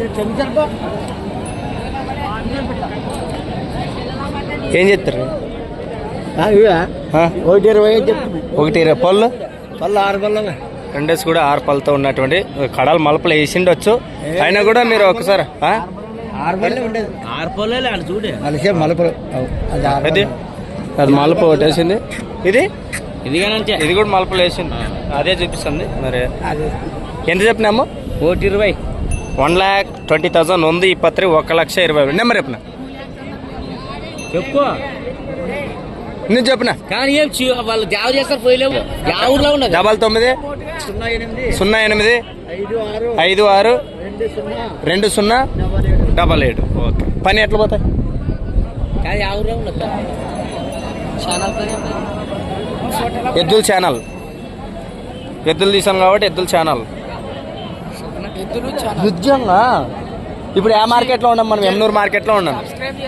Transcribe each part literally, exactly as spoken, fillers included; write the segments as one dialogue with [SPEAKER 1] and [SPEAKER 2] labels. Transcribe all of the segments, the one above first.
[SPEAKER 1] ఏం చెప్తారు?
[SPEAKER 2] ఒకటి ఇరవై
[SPEAKER 1] ఒకటి ఇరవై పళ్ళు
[SPEAKER 2] పళ్ళు ఆరు పళ్ళు
[SPEAKER 1] రెండేసి కూడా ఆరు పళ్ళతో ఉన్నటువంటి కడాలు మలపలు వేసిండొచ్చు. అయినా కూడా మీరు ఒకసారి
[SPEAKER 2] ఆరు పళ్ళు ఉండేది. ఆరు పళ్ళు చూడే అలసే మలుపులు
[SPEAKER 1] అది అది మలుపు ఒకటి వేసింది. ఇది
[SPEAKER 2] ఇది
[SPEAKER 1] ఇది కూడా మలుపులు వేసింది. అదే చూపిస్తుంది. మరి ఎంత చెప్పినాము?
[SPEAKER 2] ఒకటి ఇరవై
[SPEAKER 1] వన్ ల్యాక్ ట్వంటీ థౌసండ్ ఉంది. ఈ పత్రి ఒక లక్ష ఇరవై వేలు నెంబర్ చెప్పిన
[SPEAKER 2] చెప్పు
[SPEAKER 1] నేను చెప్పిన
[SPEAKER 2] కానీ ఏం వాళ్ళు జాబ్ చేస్తారు పోయలేవు. ఊర్లో ఉండదు.
[SPEAKER 1] డబల్ తొమ్మిది
[SPEAKER 2] సున్నా ఎనిమిది
[SPEAKER 1] సున్నా ఎనిమిది ఐదు ఆరు రెండు సున్నా డబల్ ఏడు. ఓకే. పని ఎట్లా పోతాయి?
[SPEAKER 2] కానీ ఆ ఊర్లో ఉండదు.
[SPEAKER 1] ఎద్దుల ఛానల్ ఎద్దులు తీసాను కాబట్టి ఎద్దుల ఛానల్ నిజంగా ఇప్పుడు ఏ మార్కెట్లో ఉన్నాం మనం? ఎమ్నూరు మార్కెట్లో ఉన్నాం.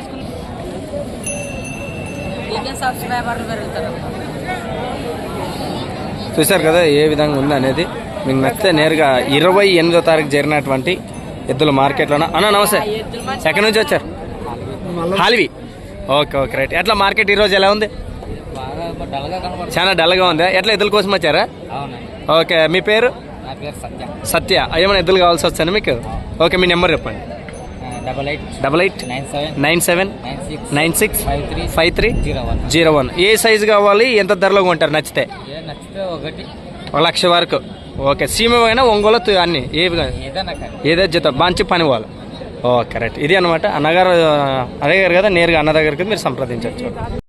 [SPEAKER 1] చూశారు కదా ఏ విధంగా ఉంది అనేది. మీకు నచ్చితే నేరుగా ఇరవై ఎనిమిదో తారీఖు జరిగినటువంటి ఎద్దుల మార్కెట్లోనా అన్న నమస్తే, ఎక్కడి నుంచి వచ్చారు? హాలివి. Okay okay right. ఎట్లా మార్కెట్ ఈరోజు ఎలా ఉంది? చాలా డల్గా ఉంది. ఎట్లా ఎద్దుల కోసం వచ్చారా? ఓకే. మీ పేరు? సత్య. ఏమైనా ఎద్దులు కావాల్సి వచ్చాను మీకు? ఓకే. మీ నెంబర్ చెప్పండి.
[SPEAKER 2] Double eight
[SPEAKER 1] double eight nine seven nine six five three zero one. ఏ సైజు కావాలి? ఎంత ధరలో కొంటారు నచ్చితే?
[SPEAKER 2] ఒకటి
[SPEAKER 1] ఒక లక్ష వరకు. ఓకే. సీమ అయినా ఒంగోలు అన్ని ఏవి ఏదో జత మంచి పని వాళ్ళు. Okay right. ఇది అనమాట. అన్నగారు అడిగారు కదా, నేరుగా అన్న దగ్గరికి మీరు సంప్రదించవచ్చు.